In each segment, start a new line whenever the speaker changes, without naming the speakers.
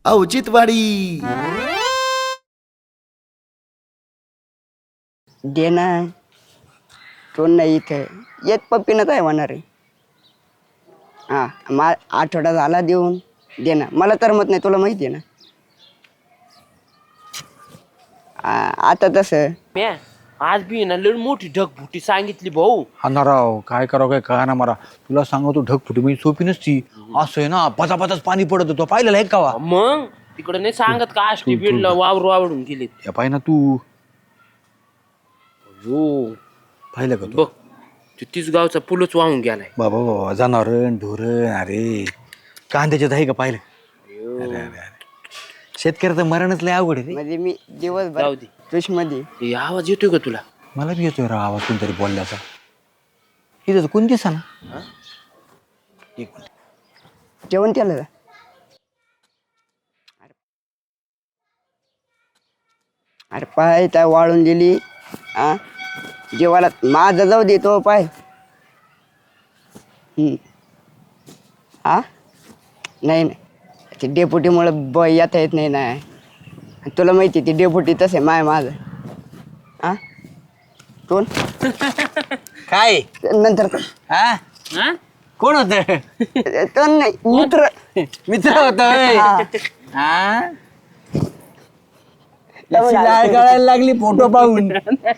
औचित्यवाडी.
दे ना तो नाही इथे एक पप्पीनं काय होणार आहे. हा आठवडा झाला देऊन दे ना. मला तर मत नाही, तुला माहिती आहे ना. आता तसं
म्या आज बी ना लय मोठी ढगफुटी सांगितली भाऊ.
हा राव काय करावं काय कळा ना मला. तुला सांगतो ढगफुटी म्हणजे सोपी नसती. असं आहे ना पचापचाच पाणी पडत होतं पाहिलं आहे का.
मग तिकडे नाही सांगत का आष्टी बीडला वावडून गेले.
या पाय ना तू
हो
पाहिलं का तू.
बघ ते तीस गावचा पुलच वाहून गेलाय.
बाबा बाबा जनावरण ढोरण अरे कांद्याच्यात आहे का पाहिलं. अरे अरे अरे शेतकऱ्याचं मरणच लय अवघड आहे रे.
म्हणजे मी
जाऊ
दिवसभर
दे.
तुषमध्ये
हे आवाज येतोय का तुला.
मला बी येतोय राव आवाज कोणतरी बोलल्याचा. इथं तर कोण दिसा ना. एक मिनिट.
जेवण केलं का? अरे पाय त्या वाळून दिली. जेवायला माझं जाऊ दे तो पाय. नाही नाही ते डेपुटीमुळं येता येत नाही ना. तुला माहिती ती डेपुटी तसे माझं. कोण
काय
नंतर
हा
हा?
कोण होत
तो नाही मित्र.
मित्र होता.
हा.
हा लाळ गळायला लागली फोटो पाहून.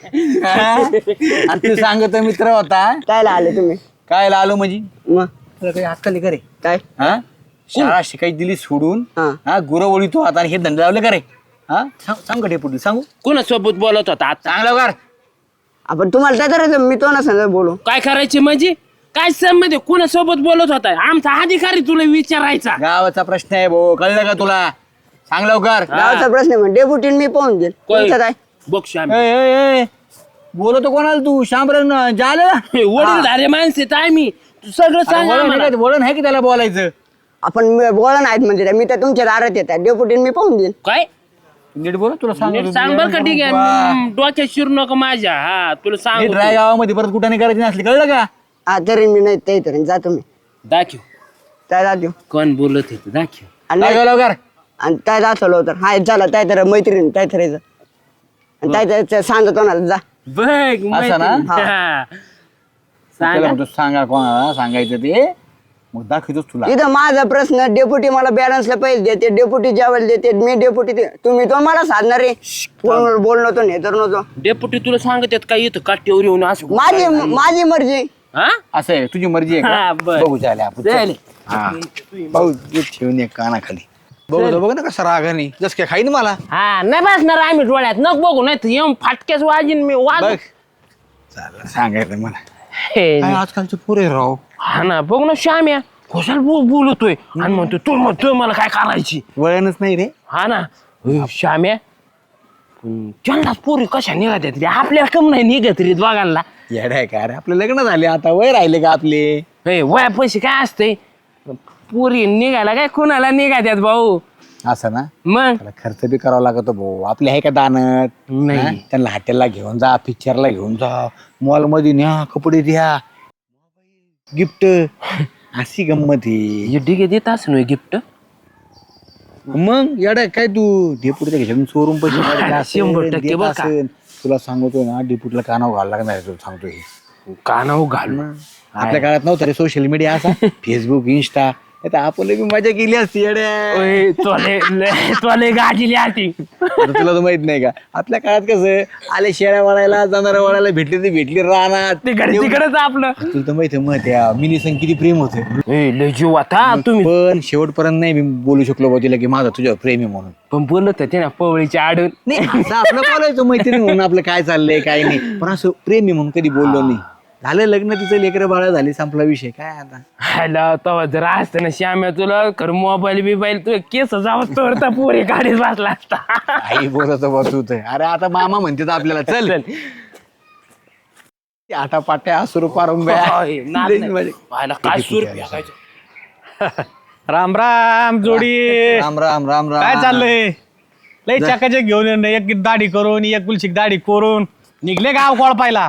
आणि तू सांगतो मित्र होता.
कायला आले तुम्ही?
काय आलो म्हणजे
मग
तुला काही अक्कल करे.
काय
हा शाळा शिकायची दिली सोडून.
हा.
हा गुरवळी तो आता आणि हे धंदे लावले करे. हा सांग का डेपुटी सांगू
कोणासोबत बोलत होता आता.
चांगलं कर.
आपण तुम्हाला काय करायचं? मी तो ना सांग बोलू.
काय करायचे म्हणजे काय संबंध आहे? कोणासोबत बोलत होता? आमचा अधिकारी तुला विचारायचा.
गावाचा प्रश्न आहे भाऊ कळलं का तुला. सांग लवकर.
गावचा प्रश्न आहे म्हणजे डेपुटीन मी पाहून देईल. तुमचं काय?
बघ श्याम
बोलतो कोणाला तू शामरान झालं.
वडील धारे माणसे तर आम्ही तू सगळं सांग आम्हाला.
वळण आहे की त्याला बोलायचं.
आपण बोला नाहीत म्हणजे मी तर तुमच्या दारात येतात. डेपुटीन मी पाहून देईल.
काय
नीट बोल तुला
नीट सांग बर का. ठीक आहे डोक्यात शिरू नको माझ्या. हा तुला सांग
ड्राय गावामध्ये परत कुठे नाही करायची नसली कळलं का.
तरी मी नाही ते तरी जातो मी.
दाखव
काय जातो
कोण बोलत होत दाखव.
आणि
काय लवकर.
आणि काय दाखवलं तर हाय झालं काय तर मैत्रीण काय करायचं. आणि काय सांगतो ना जा.
बघ
असं ना?
माहिती. हा.
त्याला
सांगा
म्हणतो सांगा कोणाला सांगायचं ते मग दाखवतोच तुला.
इथं माझा प्रश्न डेपुटी मला बॅलन्सला पैसे देते. डेपुटी जेवायला देते. मी डेपुटी तुम्ही तो मला साधणार आहे. फोनवर बोलणं तो नाही तर नव्हतो.
डेपुटी तुला सांगत आहेत काय इथं काठीवर येऊन असं
माझी मर्जी.
हा
असं आहे तुझी मर्जी आहे
हा,
का.
बरं.
बघू चाले आपण
चालेल.
हा भाऊ जे ठेवून एक कानाखाली बघू बघ ना कसा रागाने जस काय खाईन मला.
हा नाही बसणार आम्ही डोळ्यात नक बघू नाही तर येऊन फाटक्याच वाजीन मी वाज.
बघ चालेल सांगायचं मला.
हे,
काय आजकालचे पुरे राव.
हा ना बघ ना श्याम्या कशाला बोलतोय आणि म्हणतो तू मला काय करायची.
वळणच नाही रे.
हा ना श्याम्या त्यांनाच पोरी कशा निघत रे आपल्याला कम नाही निघत रे दोघांना.
येडाय का रे आपलं लग्न झाले आता वय राहिले का आपले.
हे वया पैसे काय असते पोरी निघायला काय कुणाला निघात्यात भाऊ.
असं ना
मग
त्याला खर्च बी करावा लागतो भाऊ. आपले आहे का दानत.
नाही.
हा? त्यांना हॉटेलला घेऊन जा पिक्चरला घेऊन जा मॉल मध्ये न्या कपडे द्या गिफ्ट अशी गंमत आहे.
डिगे देत असं गिफ्ट.
मग येडा काय तू डेपुटीच्या घेऊन चोरून पैसे काढले असेल,
100%
देत
बरं का?
असेल. तुला सांगतोय ना डेपुटीला कानावर घालायला लागणार तुला सांगतोय हे.
कानाव घालू.
आपल्या काळात नव्हतं रे सोशल मीडिया असा फेसबुक इंस्टा आपण बी मजा केली असती येड्या.
तुला गाठीली आरती.
आता तुला तर माहित नाही का आपल्या काळात कसं आले शेळ्या वळायला जाणाऱ्या वळायला भेटली ते भेटली राहणार
ते तिकडेच आपलं.
तुला तर माहिती मग त्या मिनी संग किती प्रेम होतं.
लय जीव आता तुम्ही
पण शेवटपर्यंत नाही मी बोलू शकलो बा तिला की माझा तुझ्यावर प्रेम आहे म्हणून.
पण बोलत होते ना पवळीच्या आडून.
नाही असं आपलं बोलायचं मैत्रीण म्हणून आपलं काय चाललंय काय नाही पण असं प्रेम आहे म्हणून कधी बोललो नाही. झालं लग्न तिचं लेकरं बाळा झाली संपला विषय काय आता.
हॅलो तेव्हा जर असतं ना श्याम्या तुला खरं मोबाईल बिबाईल तू केस जावं तर पोरी गाडीत बसला असता.
आई बोलत बसत अरे आता मामा म्हणते आपल्याला चल आटा पाट्या असुरू पारून
होय, नाद नाही. पाहायला काय सूर फेकायचं.
राम राम जोडी.
राम राम राम राम.
काय चाललंय लय चकाचक घेऊन एक दाढी करून एक कुलशिक दाढी करून निघले गाव कोळपायला.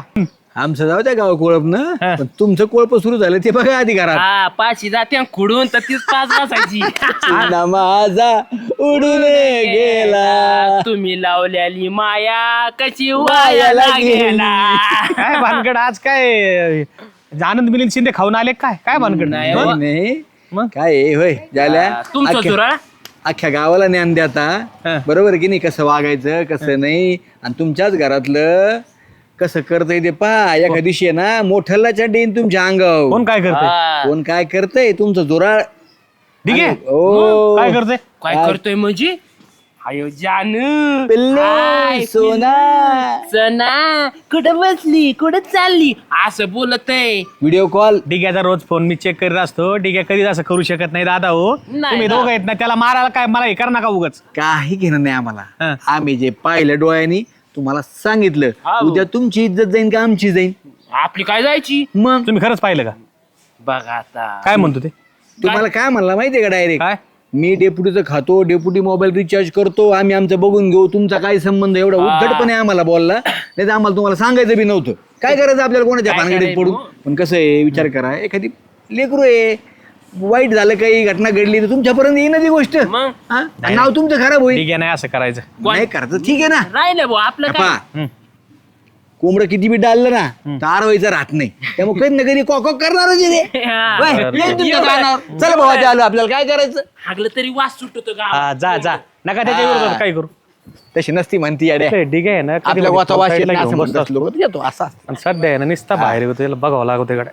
आमचं जाऊ द्या गाव कोळप ना
हा.
पण तुमचं कोळप सुरू झालं ते बघा आधी घरात
हा पाचशे जाते खुडून तर तीच पाच बसायची
चिन्ना माझा उडून गेला
तुम्ही लावलेली माया कशी वायाला गेला
काय भानगड आज काय आनंद मिलिंद शिंदे खाऊन आले काय काय भानगड
नाही,
मग?
नाही
मग?
काय आहे, होय झाल्या
तुमचं
अख्ख्या-
चुराळ
अख्ख्या गावाला ज्ञान द्याता
हा.
बरोबर की नाही कसं वागायचं कसं नाही आणि तुमच्याच घरातलं कसं करतय ते पहा एका दिवशी आहे ना मोठ्याला चढीन तुमच्या अंगावर
कोण काय करते
कोण काय करतय तुमचं जोराळ
ठीक आहे
ओ
काय करते
काय करतोय म्हणजे अयो जानू
पिल्लू
हाय,
सोना
सना कुठं बसली कुठं चालली असं बोलत आहे
व्हिडिओ कॉल
डिग्याचा रोज फोन मी चेक करीत असतो डिग्या कधीच असं करू शकत नाही दादा हो
नाही
तुम्ही
ना.
दोघं आहेत ना त्याला मारायला काय मला हे करा नका उगच
काही घेणं नाही
हा.
आम्हाला आम्ही जे पाहिलं डोळ्यांनी तुम्हाला सांगितलं
हा.
उद्या तुमची इज्जत जाईन का आमची जाईन
आपली काय जायची
मग
तुम्ही खरंच पाहिलं का
बघा आता
काय म्हणतो ते
तुम्हाला काय म्हणला माहितीये का डायरेक्ट
काय
मी डेप्युटीचं खातो डेप्युटी मोबाईल रिचार्ज करतो आम्ही आमचं बघून घेऊ तुमचा काय संबंध एवढा उद्धटपणे आम्हाला बोलला नाही तर आम्हाला तुम्हाला सांगायचं बी नव्हतं काय करायचं आपल्याला कोणाच्या
काय
भानगडीत
करायचं
पडून
मग?
पण कसं आहे विचार करा एखादी लेकरू आहे वाईट झालं काही घटना घडली तर तुमच्यापर्यंत येईन ना ती गोष्ट
मग?
हा? आणि नाव तुमचं खराब होईल
डिग्या नाही असं करायचं
नाही करायचं ठीक आहे ना
राहिलं भाऊ आपलं काय
पहा,
हम्म.
कोंबडं किती बी डाललं ना तर आरवायचं राहत नाही त्यामुळे कधी ना कधी कॉक करणारच आहे ते.
हा.
वय, येईन तुमच्या कानावर. चला भावा आलो आपल्याला काय करायचं
हागलं तरी वास सुटतो का
हा जा जा नका त्याच्या विरोधात काय करू
तशी नसती म्हणती याड्या
ते डिग्या आहे ना कधी
आपल्या
कधी
गोतावाशी
साईडला
असं
घेऊन
म्हणत
बसतो.
असलो येतो असा
आणि सध्या आहे ना निसता बाहेर येतो त्याला बघावं लागतं इकडे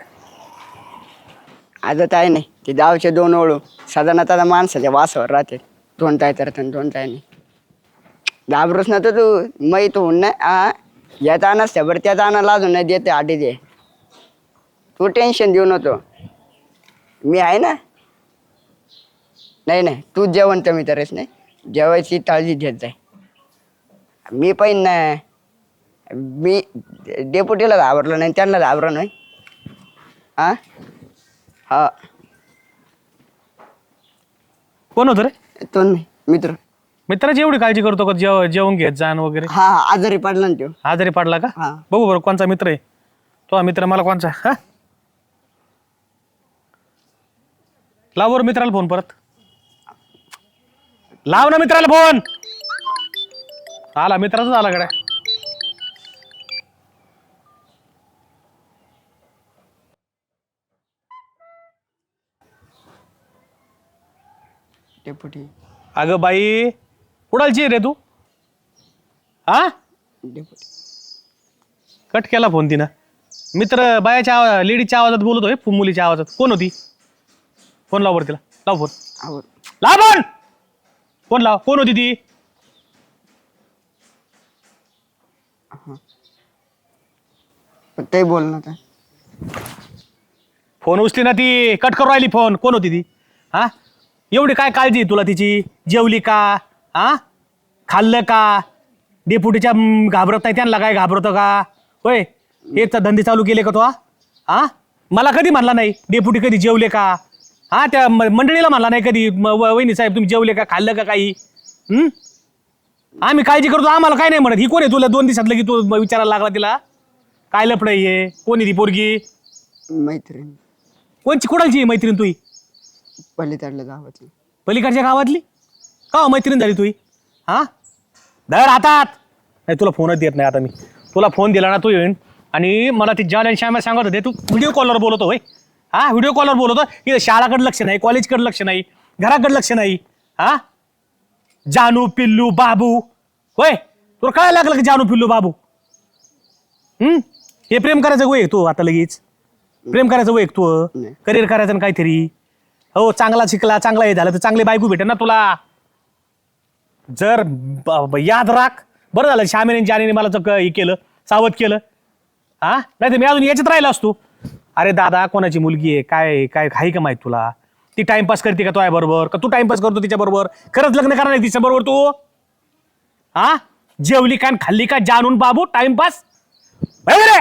आजत आहे नाही ते गावचे दोन ओळू साधारणतः माणसाच्या वासावर राहते दोन ताय तर दोन ताय नाही घाबरूच ना तर तू माहीत होऊन नाही हा यात आणस बरं त्यात आणा लाजून नाही देते आधी दे तू टेन्शन देऊ नको मी आहे ना नाही नाही तू जेवण तर मी तरच नाही जेवायची काळजी घेत जाय मी पण नाही मी डेपुटीला घाबरलो नाही त्यांना घाबरलो नाही हा हा
कोण होतं रे
तो नाही मित्र
मित्राची एवढी काळजी करतो का जेवण घेत जाण वगैरे
हा हा, आजारी पडला ना तो
आजारी पडला का
हा.
बघू बरं कोणचा मित्र आहे तो मित्र मला कोणचा हा लाव बरं मित्राला फोन परत लाव ना मित्राला फोन आला मित्राचाच आला कडे
डेपुटी
अगं बाई कुडालची आहे रे तू हा
डेपुटी
कट केला फोन तिनं मित्र बायाच्या लेडीच्या आवाजात बोलतोय मुलीच्या आवाजात कोण होती फोन लाव बरं तिला लाव फोन
आवड
लाव फोन फोन लाव कोण होती ती
ते बोल ना काय
फोन उचली ना ती कट करू राहिली फोन कोण होती ती हा एवढी काय काळजी आहे तुला तिची जेवली का हा खाल्लं का डेपुटीच्या घाबरत नाही त्यांना काय घाबरतो का होय हेच धंदे चालू केले का तो हा मला कधी म्हणला नाही डेपुटी कधी जेवले का हा त्या मंडळीला म्हणला नाही कधी वहिनी साहेब तुम्ही जेवले का खाल्लं का काही आम्ही काळजी करतो आम्हाला काय नाही म्हणत ही कोण आहे तुला 2 दिवसात की तू विचारायला लागला तिला काय लपड आहे कोणी ती पोरगी
मैत्रीण
कोणची कुणालची मैत्रीण तुही
पलीकडल्या गावातली
पलीकडच्या गावातली का हो मैत्रीण झाली तुही हा धर हातात नाही तुला फोनच देत नाही आता मी तुला फोन दिला ना तू येईन आणि मला ती जान आणि श्यामा सांगत होते तू व्हिडिओ कॉलवर बोलतो होय हा व्हिडिओ कॉलवर बोलतो इथे शाळाकडे लक्ष नाही कॉलेजकडे लक्ष नाही घराकडे लक्ष नाही हा जानू पिल्लू बाबू होय तुला काय लागलं की जानू पिल्लू बाबू हे प्रेम करायचं वय तू आता लगेच प्रेम करायचं वय तू
नाही.
करिअर करायचं ना काहीतरी हो चांगला शिकला चांगला हे झालं तर चांगली बायको भेटेल ना तुला जर याद राख बरं झालं श्यामेने जानेने मला हे केलं सावध केलं हा नाही तर मी अजून याच्यात राहिला असतो अरे दादा कोणाची मुलगी आहे काय काय आहे का माहित तुला ती टाइमपास करते का तो बरोबर का तू टाइमपास करतो तिच्या बरोबर खरंच लग्न करणार आहे तिच्या बरोबर तू हा जेवली का आणि खाल्ली का जाणून बाबू टाइमपास रे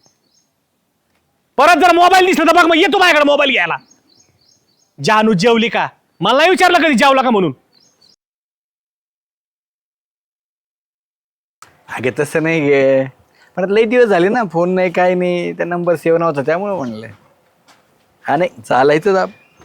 परत जर मोबाईल दिसला तर बघ मग येतो माझ्याकडे मोबाईल घ्यायला जानू जेवली का मला नाही विचारलं कधी जेवला का म्हणून
अगे तसं नाही गे पण आता लई दिवस झाले ना, फोन नाही काय नाही, त्या नंबर सेव्ह नव्हता त्यामुळे म्हणलं. हा नाही चालायचं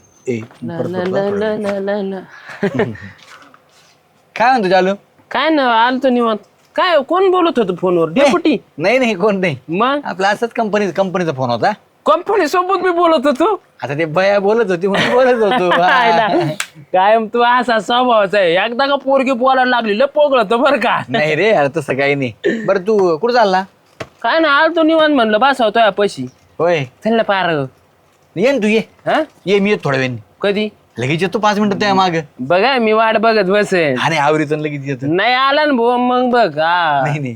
काय म्हणतो चालू?
काय ना आलतो निवांत. काय कोण बोलत होतं फोनवर? डेपुटी?
नाही कोण नाही,
मग
आपला असंच कंपनीचा फोन होता.
कंपनी सोबत मी बोलत होतो.
आता ते बया बोलत होती म्हणून बोलत होतो.
कायम तू असा स्वभावाचा आहे. एकदा का पोरगी बोलायला लागली लय पोगळत बरं का.
नाही रे अरे तसं काही नाही. बरं तू कुठं चालला?
काय ना आलतो निवांत म्हणलं बसवतोय पैशी.
होय
चल ना पार.
ये ना तू, ये
हा
ये, मी येतो थोड्या वेळ.
कधी?
लगेच येतो 5 मिनिटं त्या माग.
बघा मी वाट बघत बसेन.
आणि आवरीतून लगेच येतो.
नाही आला ना भाऊ मग बघ. हा
नाही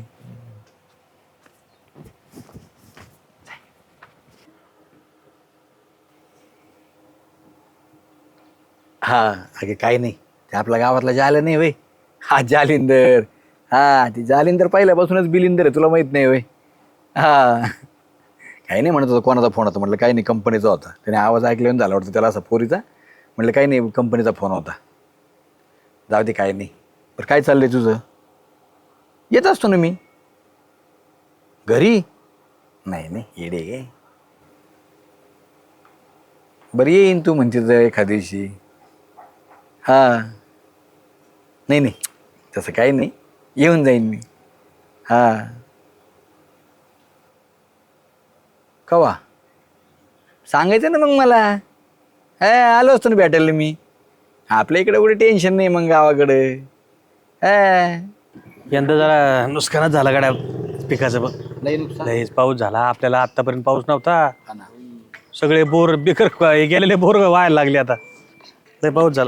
हा अगे काही नाही, ते आपल्या गावातला जाले नाही वय, हा जालिंदर. हा ती जालिंदर पहिल्यापासूनच बिलिंदर आहे, तुला माहित नाही वय. हा काही नाही म्हणत होता, कोणाचा फोन होता? म्हटलं काही नाही, कंपनीचा होता. त्याने आवाज ऐकल्यावर झाला वाटतं त्याला असा पोरीचा. म्हटलं काही नाही, कंपनीचा फोन होता. जाऊ दे काही नाही. बरं काय चाललंय तुझं? येत असतो ना मी घरी. नाही येडे गे. बरं येईन तू म्हणते तर एखाद्या दिवशी. हां नाही तसं काही नाही, येऊन जाईन मी. हां कवा सांगायचं ना मग मला. आलो असतो ना भेटायला मी. आपल्या इकडे कुठे टेन्शन नाही मग गावाकडे.
यंदा जरा नुकसानच झाला गाड्या पिकाचं बघ.
लई नुकसान.
लईच पाऊस झाला. आपल्याला आतापर्यंत पाऊस नव्हता. सगळे बोर बिकर गेलेले बोर व्हायला लागले आता. लय पाऊस झाला.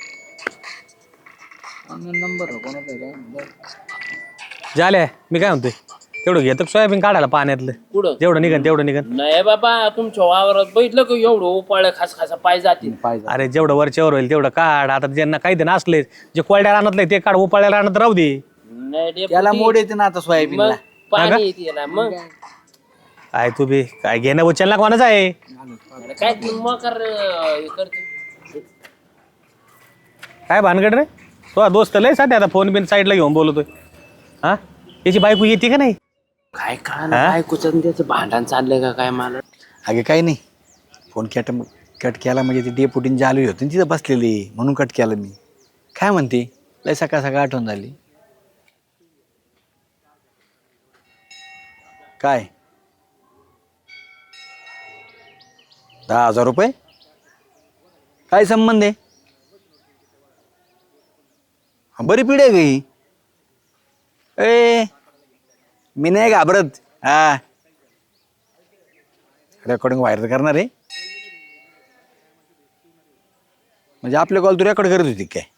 झाले मी काय म्हणतोय, तेवढं घेतो सोयाबीन काढायला पाण्यातलं.
कुठं?
जेवढं निघन तेवढं निघन.
नाही बाबा तुमच्या वावरात बघितलं का एवढं उपाळ खासा पाय जातील.
अरे जेवढं वरच्यावर होईल तेवढं काढ. आता ज्यांना काही दिन असले जे कोरड्या रानातले ते काढ, उपाळ्या रानात राहू दे.
नाही डेपुटी.
त्याला मोड येते ना आता सोयाबीन.
मग पाणी येते याला. मग
काय तू बी काय घेणं उचलला कोणाच आहे?
काय मकर करते.
काय भानगड रे? तो दोस्त लय सध्या आता फोन बिन साईडला घेऊन बोलतोय. हा त्याची बायको येते का नाही?
काय बायकोचं त्याचं भांडण चाललंय का काय मला?
अगे काही नाही, फोन कट केला म्हणजे ती डेपुटीन जालू होती तिथं बसलेली म्हणून कट केला मी. काय म्हणते? लय सकाळ आठवण झाली. काय 10,000 रुपये? काय संबंध आहे? बरी पिढी आहे गई. मी नाही घाबरत. हा रेकॉर्डिंग व्हायरल करणार आहे म्हणजे आपले कॉल तू रेकॉर्ड करत होती काय?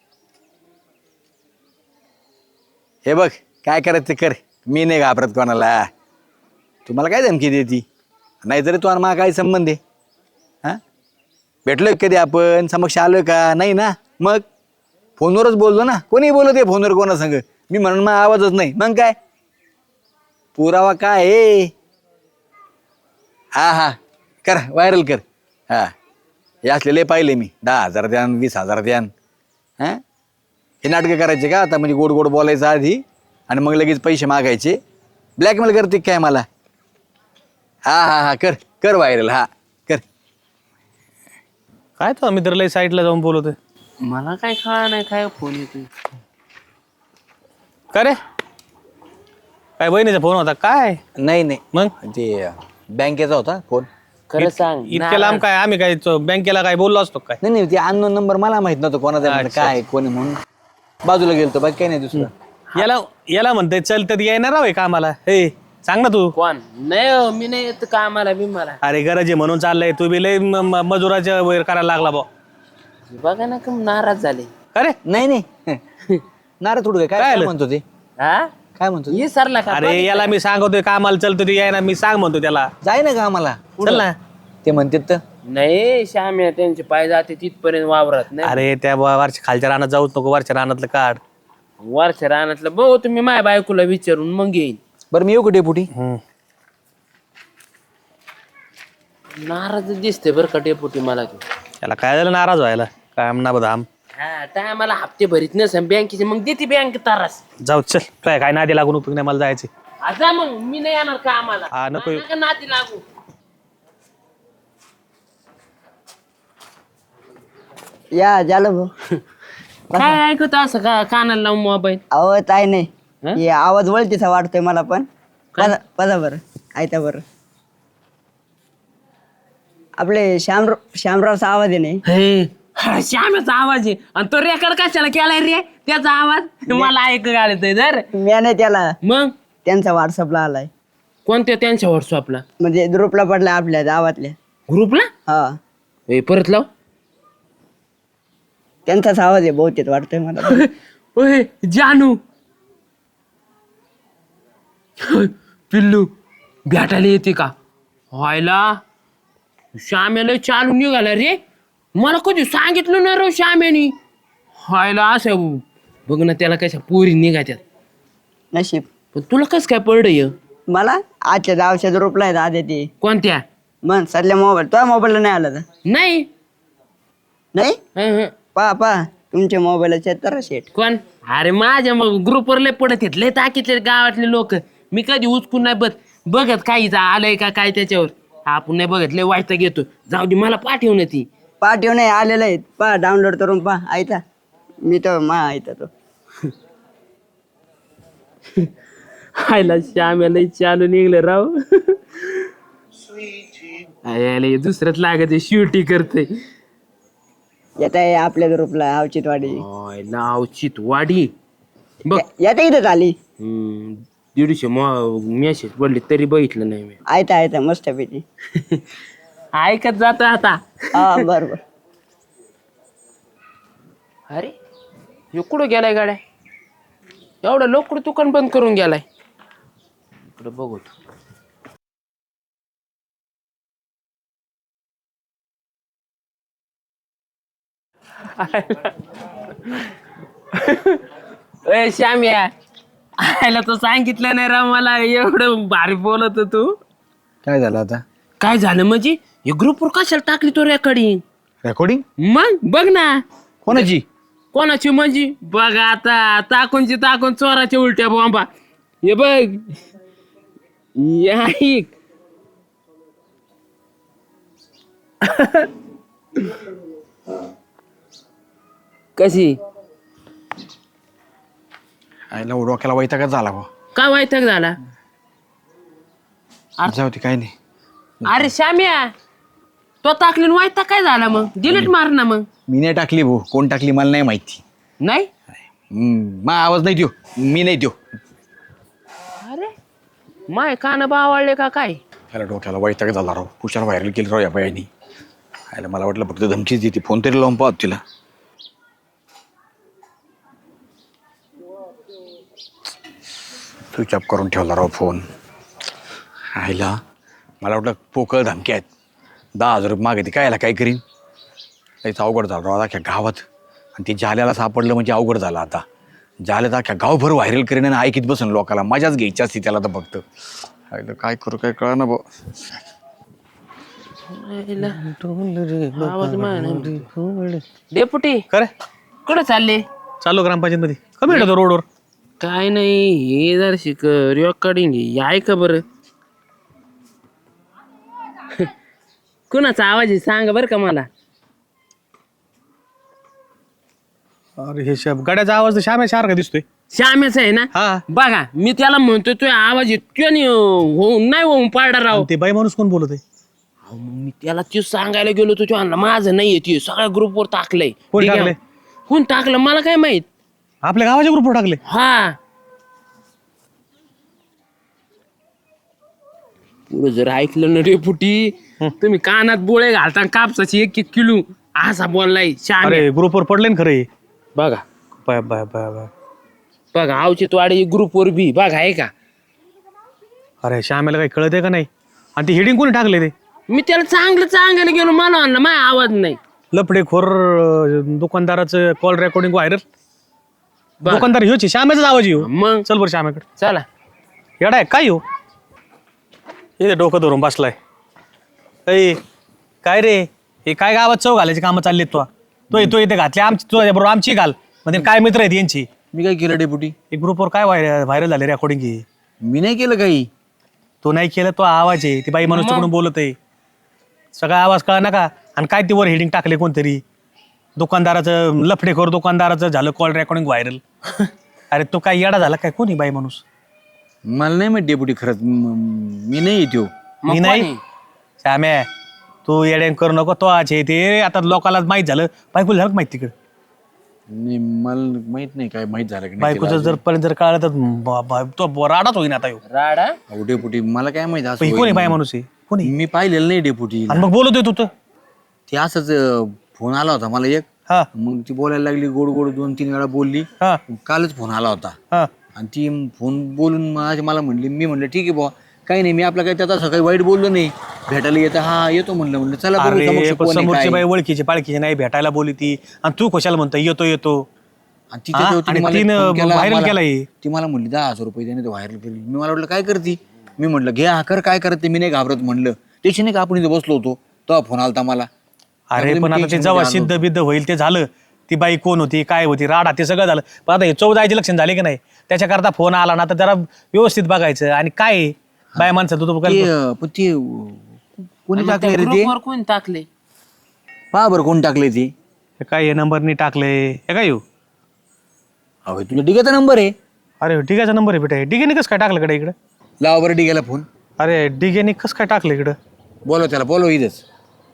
हे बघ काय करायचं ते कर, मी नाही घाबरत कोणाला. तुम्हाला काय धमकी देती? नाहीतरी तू आणि मला काय संबंध आहे? हां भेटलोय कधी आपण? समक्ष आलोय का? नाही ना. मग फोनवरच बोललो ना. कोणी बोलत आहे फोनवर कोणा संग? मी म्हणून मग आवाजच नाही. मग काय पुरावा काय आहे? हा कर, व्हायरल कर. हा हे असलेले पाहिले मी. 10,000 द्यान, 20,000 द्यान. हां हे नाटकं करायचे का आता? म्हणजे गोड बोलायचं आधी आणि मग लगेच पैसे मागायचे. ब्लॅकमेल करते काय मला? हा कर व्हायरल. हा कर.
काय तो मित्र लय साईडला जाऊन बोलतोय.
मला काय कळा नाही काय फोन येतोय.
का रे? काय बहिणीचा फोन होता काय?
नाही
मग
ते बँकेचा होता फोन.
खरं सांग.
इतक्या लांब काय आम्ही काय बँकेला काय बोललो असतो काय?
नाही ते अननोन नंबर मला माहित नव्हतं कोणाचा आहे,
अच्छा.
काय कोणी म्हणून बाजूला गेलतो. बाकी काही नाही दुसरं.
याला म्हणते चल तर येणार आहे कामाला. हे सांग ना तू.
कोण? नाही हो, मी नाही येत कामाला बिमाला.
अरे गरज आहे म्हणून चाललंय. तू बी लय मजुराच्या वैर करायला लागला बा.
बघा ना कम नाराज झाले.
अरे
नाही नाराज थोडं काय
आलं?
म्हणतो ते?
हा
काय म्हणतो ते?
ये सरला का?
अरे याला मी सांगतोय कामाला चलतो ते यायना. मी सांग म्हणतो त्याला
जाय ना का आम्हाला?
चल ना.
ते म्हणतात तर
नाही श्याम्या त्यांचे पाय जाते तिथपर्यंत वावरात नाही.
अरे त्या वरच्या खालच्या रानात जाऊच नको. वरच्या रानातलं काढ.
वरच्या रानातलं बघू तुम्ही माझ्या बायकोला विचारून मग येईन.
बरं मी येऊ का डेपुटी?
नाराज दिसते बरं का डेपुटी मला तू.
त्याला काय झालं नाराज व्हायला? काय आमना बदाम.
हा टायमाला हप्ते भरीत नसेल बँकेचे मग देते बँक तारास.
जाऊ चल. काय नादी लागून उपयोग नाही. मला जायचे.
आता मग मी नाही येणार का आम्हाला
हा, नको येऊ.
नका नाती लागू.
या झालं भाऊ.
काय ऐकत असं का कानाला लावून मोबाईल?
अहो ताई नाही
हं?
हे आवाज वळतीचा वाटतोय मला पण. पदा बरं ऐका बरं. आपले श्यामरावचा आवाज आहे नाही.
हे हा, श्यामाचा आवाज आहे आणि तो रेकॉर्ड कशाला केलाय रे त्याचा आवाज मला ऐकू आलं तर
मी नाही त्याला
मग
त्यांचा व्हॉट्सअपला आलाय.
कोणत्या त्यांच्या व्हॉट्सअपला
म्हणजे ग्रुपला पडलाय आपल्या गावातल्या.
ग्रुपला
हा
परत लाव.
त्यांचाच आवाज आहे बहुतेक वाटतोय मला.
ओय जानू पिल्लू भेटायला येते का? व्हायला श्यामेला चालून निघाला रे. मला कधी सांगितलं ना रे श्यामेनी. व्हायला असं बघ ना त्याला कशा पोरी निघात्यात.
नशीब
पण तुला कस काय पडलं?
मला आजच्या गावच्या ग्रुपला आहेत आधी ते.
कोणत्या?
मग सध्या मोबाईल तुझ्या मोबाईलला नाही आला तर
नाही.
नाही.
हं, हं.
पा तुमच्या मोबाईलचे तर शेट.
कोण? अरे माझ्या मग ग्रुपवर लय पडत येत लय ताकीतले गावातले लोक. मी कधी उचकून नाही बघत काही आलंय का काय त्याच्यावर. आपण नाही बघत लय वाईट घेतो. जाऊ दे मला पाठवून ती.
पाठव नाही आलेलं आहे. पा डाउनलोड करून पा ऐका. मी तर ऐका तो.
हायला श्याम्याला चालू निघलं राव. अरे दुसऱ्यात लागत शिवटी करते.
येत आहे आपल्या ग्रुपला अवचितवाडी.
नावचित वाडी बघ.
येता इथं आली.
150 मेसेज पडले तरी बघितलं नाही मी.
आयता मस्त पैकी.
ऐकत जात आता.
हा बरोबर.
अरे ह्यो कुठं गेलाय गाड्या? एवढं लोक दुकान बंद करून गेलाय. इकडे बघू. ए श्याम्या आयला तो सांगितलं नाही राव मला. एवढं भारी बोलत तू.
काय झालं आता?
काय झालं म्हणजे? हे ग्रुपवर कशाला टाकली तो रेकॉर्डिंग?
रेकॉर्डिंग
मग बघ ना.
कोणाची?
कोणाची म्हणजे? बघ आता टाकून चोराच्या उलट्या बॉम्बा. हे बघ या ऐक. कशी
आईला डोक्याला वैतागच झाला भाऊ.
काय वैताग झाला?
जाऊ दे काय नाही.
अरे श्याम्या तो टाकली वैताग काय झाला? मग डिलीट मार ना. मग
मी नाही टाकली भाऊ. कोण टाकली मला नाही माहिती.
नाही.
मग आवाज नाही देऊ. मी नाही देऊ.
अरे माय कान बावळले का काय?
त्याला डोक्याला वैताग झाला राव. पुशाला व्हायरल केली राव या बायानी. आयला मला वाटलं फक्त धमकीच देते. फोन तरी लावून पाहत तिला. स्विच ऑफ करून ठेवला राव फोन. आयला मला वाटलं पोकळ धमकी आहेत. 10,000 रुपये मागे ती कायला काय करीन. लईच अवघड झालं राव अख्ख्या गावात. आणि ते जाल्याला सापडलं म्हणजे अवघड झालं आता. जाल्यात अख्ख्या गावभर व्हायरल करीन आणि ऐकीत बसून लोकाला. मजाच घ्यायची असती त्याला तर फक्त. आयला काय करू काय कळा ना भाऊ.
डेपुटी
खरे
कुठं चालले?
चालू ग्रामपंचायत मध्ये. कमी भेटतो रोडवर.
काय नाही हे जर शिक रेकॉर्डिंग आहे का बरं? कुणाचा आवाज आहे सांग बरं का मला.
अरे हे गाड्याचा आवाज तर श्याम्या सारखा दिसतोय.
श्यामेच आहे ना?
हा.
बघा मी त्याला म्हणतोय तो आवाज येतो नाही होऊन पाडा राव.
ते बाई माणूस कोण बोलत आहे?
अहो, मग मी त्याला ते सांगायला गेलो तो आणला माझं नाही येते सगळ्या ग्रुपवर टाकलंय.
कोण
ठीक आहे?
टाकलंय?
कोण टाकलं मला काय माहित.
आपल्या गावाच्या ग्रुपवर टाकले.
हा पुढे जर ऐकलं ना डेपुटी तुम्ही कानात बोळे घालता कापसाची 1-1 किलो असा बोललाय श्याम.
अरे ग्रुपवर पडले ना खरे.
बघा
बाय बाय बाय बाय.
बघा आवचित वाडी ग्रुपवर बी बघा आहे का.
अरे श्यामेला काही कळत आहे का नाही? आणि ते हेडिंग कोणी टाकले ते?
मी त्याला चांगलं गेलो मला आणलं माझा आवाज नाही.
लफडेखोर दुकानदाराचं कॉल रेकॉर्डिंग व्हायरल. दुकानदार ह्योच श्यामेचाच आवाज येऊ.
मग
चल बरं श्यामेकडे.
चला.
येडा आहे काय येऊ? हे डोकं धरून बसलाय. ऐ काय रे हे काय गावात चव घालायची कामं चाललीत? तो इथे घातली आमची बरोबर आमची घाल म्हणजे काय मित्र आहेत यांची.
मी काय केलं डेपुटी?
एक ग्रुपवर काय व्हायरल झाले रेकॉर्डिंग.
मी नाही केलं काही.
तो नाही केलं, तो आवाज आहे, ती बाई माणूस तिकडून बोलत आहे, सगळा आवाज कळा नका. आणि काय ते वर हेडिंग टाकले कोणतरी, दुकानदाराचं लफडेखोर दुकानदाराचं झालं कॉल रेकॉर्डिंग व्हायरल. अरे तो काय येडा झाला काय, कोणी बाई माणूस?
मला नाही माहिती डेपुटी खरंच, मी नाही येतो.
मी नाही. श्याम्या तू येड्यान करू नको, तो आज आहे ते आता लोकांना माहित झालं, बायकोला झालं का माहित तिकडे?
नाही मला माहित नाही काय माहित झालं की नाही
बायकोचं जर पर्यंत जर कळलं तर तो राडाच होईन आता ह्यो.
राडा
अहो डेपुटी मला काय माहित असं
पण ही कोणी बाई माणूस आहे, कोणी?
मी पाहिलेलं नाही डेपुटी.
आणि मग बोलतोय तू तर.
ते असंच फोन आला होता मला एक,
हा
मग ती बोलायला लागली, गोड गोड 2-3 वेळा बोलली.
हा
कालच फोन आला होता
हा.
आणि ती फोन बोलून मला म्हणली, मी म्हणलं ठीक आहे बुवा, काही नाही, मी आपलं काही त्याचा सकाळी वाईट बोललो नाही, भेटायला येतं, हा येतो म्हणलं चला बघू
अरे
समक्ष
पण
कोण आहे,
समोरची
काय.
बाई ओळखीची पाळखीची नाही, भेटायला बोली ती, आणि तू कशाला म्हणतो येतो येतो?
आणि तिच्या
हा?
तेव्हा तिने
आणि
मला
तिनं
फोन केला,
व्हायरल
मला-
केलाय.
ती मला म्हणली 10,000 रुपये त्याने व्हायरल केली. मी मला वाटलं काय करते, मी म्हटलं घे हा कर, काय करते, मी नाही घाबरत म्हणलं. त्याची नाही का आपण इथे बसलो होतो तेव्हा फोन आलता मला.
अरे
त्यामुळे
पण
मी
आता ते
tension
जेव्हा
मध्ये आलो.
सिद्ध बिद्ध होईल ते झालं, ती बाई कोण होती, काय होती, राडा, ते सगळं झालं. पण आता हे 14 लक्षण झाले की नाही, त्याच्याकरता फोन आला ना तर जरा व्यवस्थित बघायचं. आणि काय आहे, बाय माणसं तू
पण ते कोणी टाकले रे ते,
ग्रुपवर कोणी टाकले?
पहा बरं कोण टाकले ते.
काय हे नंबरनी टाकले, हे काय येऊ?
अहो तुला डिग्याचा नंबर आहे,
अरे डिग्याचा नंबर आहे बेटा, डिगेने कसं काय टाकलं कडे इकडं?
लावा बरं डिग्याला फोन,
अरे डिगेने कसं काय टाकलं इकडं?
बोलव त्याला, बोलव इथंच.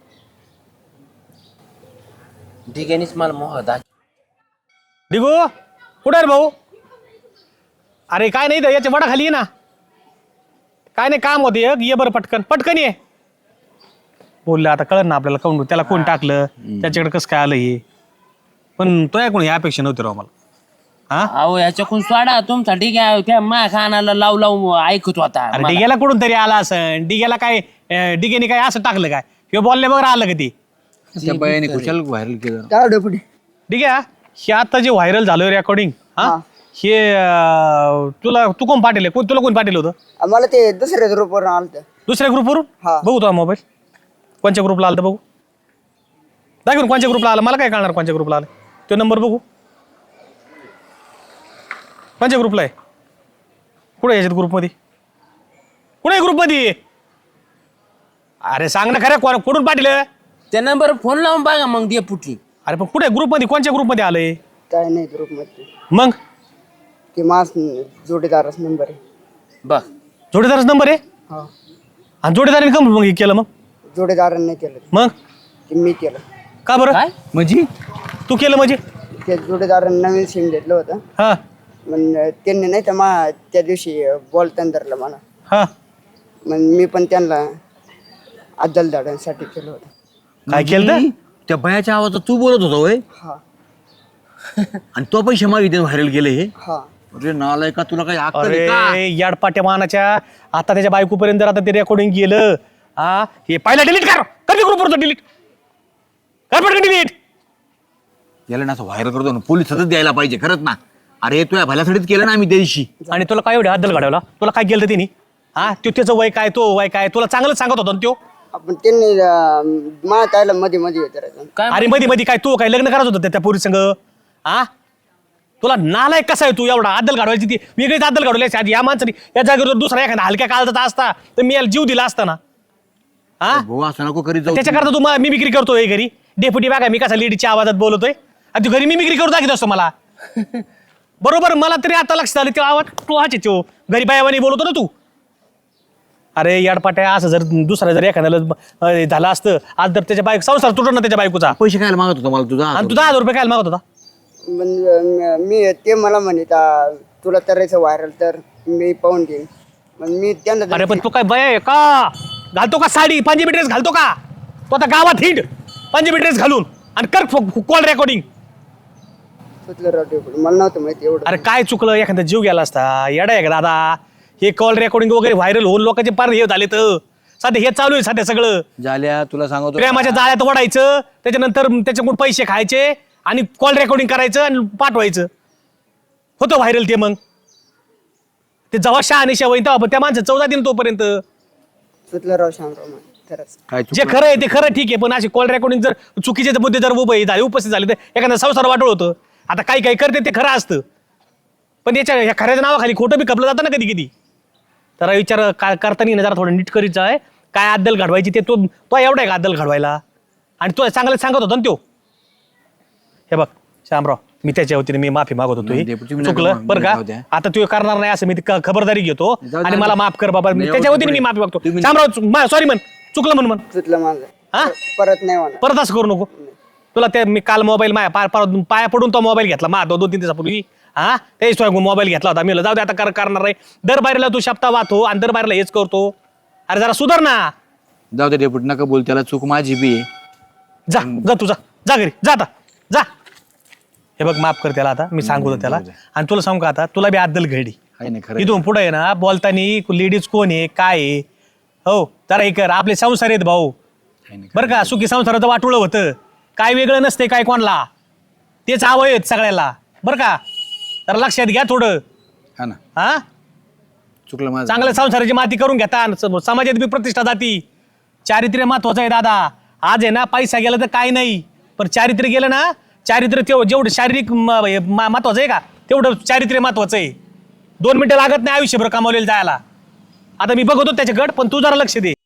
ठिकाणीच मला मोह दाख.
डिगो कुठे आहे रे भाऊ? अरे काय नाही, याच्या वडा खाली ये ना, काय नाही काम होते, ये बरं पटकन पटकन ये. बोललं आता कळलं ना आपल्याला, कोण त्याला कोण टाकलं, त्याच्याकडे कसं काय आलं हे. पण तो या कोणी अपेक्षा नव्हती राव मला. हा
अहो याच्याकडून सोडा तुमचा ठीक आहे, त्या मा खानाला लावू लावू ऐकत होता.
अरे डिग्याला कुठून तरी आला असं, डिग्याला काय डिगेने काय असं टाकलं काय, हे बोलले बघ आलं का ते?
त्या बायाने कुशाल व्हायरल केलं.
काय डेपुटी?
डिग्या हे आता जे व्हायरल झालं रेकॉर्डिंग, हा हे तू कोण पाठवले, तुला कोण पाठवलं होतं?
मला ते दुसऱ्या ग्रुपवर आलं.
दुसऱ्या ग्रुपवरून?
हा.
बघू तो मोबाईल कोणत्या ग्रुपला आलं तर बघू, दाखवून कोणत्या ग्रुपला आलं, मला काय कळणार कोणत्या ग्रुपला आलं. तो नंबर बघू कोणत्या ग्रुपला आहे, कुठे याच्यात ग्रुपमध्ये, कुठे ग्रुपमध्ये? अरे सांग ना खरं, कुठून पाठवलं?
त्या नंबर फोन लावून बघा मग दे पुटी.
अरे पण कुठे ग्रुपमध्ये, कोणत्या ग्रुपमध्ये आलंय?
काय नाही ग्रुपमध्ये,
मग
ते मास जोडीदारच नंबर आहे.
बघ
जोडीदारच नंबर आहे,
हा,
आणि जोडीदाराने कम मग हे केलं, मग
जोडीदाराने नाही केलं,
मग
ते मी केलं.
का बरं?
काय
म्हणजे तू केलं म्हणजे?
ते जोडीदाराने नवीन सिम घेतलं होतं,
हा
मग त्यांनी नाही तर त्या दिवशी बोलताना धरलं मला,
हा.
मग मी पण त्यांना अद्दल दाडांसाठी केलं होतं.
काय केलं तर?
त्या बायाच्या आवाजात तू बोलत होता होय,
हा
आणि तो पैसे मागितले व्हायरल केले हे.
हा.
अरे नालाय का, तुला काही अक्कल आहे का?
अरे याडपाट्या मानाच्या, आता त्याच्या बायकोपर्यंत जर आता ते रेकॉर्डिंग गेलं, हा हे पहिला डिलीट कर, कर ग्रुपवर डिलीट कर, पटकन डिलीट.
याला ना असं व्हायरल करतो ना, पोलिसातच द्यायला पाहिजे खरंच ना. अरे तू या भल्यासाठीच केलं ना आम्ही त्या दिवशी.
आणि तुला काय एवढे हद्दल घडवला, तुला काय केलं तिने? हा तो त्याचं वय काय, तो वय काय, तुला चांगलंच सांगत होता ना त्यो.
आपण त्यांनी मला त्याला मध्ये मध्ये विचारायचं.
काय
अरे मध्ये मध्ये काय तू काय लग्न करायचं होतं त्या पोरी संग? हा तुला नालायक कसा आहे तू, एवढा अद्दल घडवायची ती वेगळीच अद्दल घडवल्याची आधी. या माणसाने या जागेवर दुसरा एखादा हलक्या काळजाचा असता तर मी याला जीव दिला असता ना. हा
भाऊ असं नको करीत जाऊ.
त्याच्याकरता तू मिमिक्री करतोय घरी, डेप्युटी बघा मी कसा लेडीच्या आवाजात बोलतोय, आणि तू घरी मिमिक्री करू दाखवत असतो मला. बरोबर, मला तरी आता लक्षात आलं तो आवाज तू हाचे तो घरी बायावानी बोलतो ना तू. अरे याडपाट्या, असं जर दुसरा जर एखाद्याला झालं असतं आज, तर त्याच्या बायको संसार तुटत ना त्याच्या बायकोचा.
पैसे काय मागत होता मला तुझा?
आणि तू 10,000 रुपये काय मागत होता?
मी ते मला म्हणत तुला करायचं व्हायरल तर मी पाहून देईन. मग मी त्यांना
अरे पण तू काय बय आहे का, घालतो का साडी पंजाबी ड्रेस घालतो का तो, आता गावात हिंड पंजाबी ड्रेस घालून आणि कर कॉल रेकॉर्डिंग.
सुचलं राव डेपुटी, मला नव्हतं माहिती एवढं.
अरे काय चुकलं, एखादा जीव गेला असता, येडा आहे का दादा? हे कॉल रेकॉर्डिंग वगैरे व्हायरल होऊन लोकांचे पार हे झाले, तर सध्या हे चालू आहे सध्या सगळं.
झाल्या तुला सांगतो,
प्रेमाच्या जाळ्यात ओढायचं, त्याच्यानंतर त्याच्याकडून पैसे खायचे आणि कॉल रेकॉर्डिंग करायचं आणि पाठवायचं, होतं व्हायरल ते. मग ते जेव्हा शहानिशा होईन तेव्हा त्या माणसं 14 दिन तोपर्यंत.
सुचलं राव शामराव मला खरंच.
काय
जे खरं आहे ते खरं ठीक आहे, पण अशी कॉल रेकॉर्डिंग जर चुकीचे मुद्दे जर उभे झाले, उपस्थित झाले, तर एखादा संसार वाटोळ होतं. आता काही काही करते ते खरं असतं, पण याच्या ह्या खऱ्याच्या नावाखाली खोटं बी खपलं जातं ना कधी कधी. जरा विचार करताना ना जरा थोडं नीट करीचं आहे. काय अद्दल घडवायची ते तो एवढा आहे का अद्दल घडवायला? आणि तो चांगलं सांगत होता ना तो. हे बघ श्यामराव, मी त्याच्या वतीने मी माफी मागत होतो. चुकलं बरं का, आता तू करणार नाही असं मी खबरदारी घेतो. आणि मला माफ कर बाबा, मी त्याच्या वतीने मी माफी मागतो. श्यामराव सॉरी म्हण, चुकलं म्हण.
चुकलं माझं.
हा
परत नाही होणार.
परत असं करू नको. तुला ते मी काल मोबाईल पाया पडून तो मोबाईल घेतला मा 2-3 दिवसापूर्वी. हा तेच मोबाईल घेतला होता. मी जाऊ दे आता करणार नाही. दर बाहेरला तू शब्दा वाहतो आणि दर बाहेरला हेच करतो. अरे जरा सुधार ना.
जाऊ दे डेपुटी, नका बोल, त्याला चूक माझी बी आहे.
जा तू जा घरी जा आता जा. हे बघ माफ कर त्याला आता, मी सांगू त्याला. आणि तुला सांगू का आता, तुला बी अद्दल घडी
आहे ना खरं.
इथून पुढे आहे ना बोलताना लेडीज कोण आहे काय आहे. हो जरा हे कर, आपले संसार आहेत भाऊ बरं का. सुखी संसाराचं वाटोळं होतं, काय वेगळं नसते काय कोणाला, तेच आवय आहेत सगळ्याला बरं का. तर लक्षात घ्या थोडं.
हा ना,
हा
चुकलं माझं.
चांगल्या संसाराची माती करून घेता. समाजात बी प्रतिष्ठा जाती. चारित्र्य महत्वाचं आहे दादा. आज आहे ना पैसा गेला तर काय नाही, पण चारित्र्य गेलं ना, चारित्र्य जेवढं शारीरिक महत्वाचं आहे का तेवढं चारित्र्य महत्वाचं आहे. 2 मिनिटं लागत नाही आयुष्यभर कमावलेलं जायला. आता मी बघतो त्याच्याकडे, पण तू जरा लक्ष दे.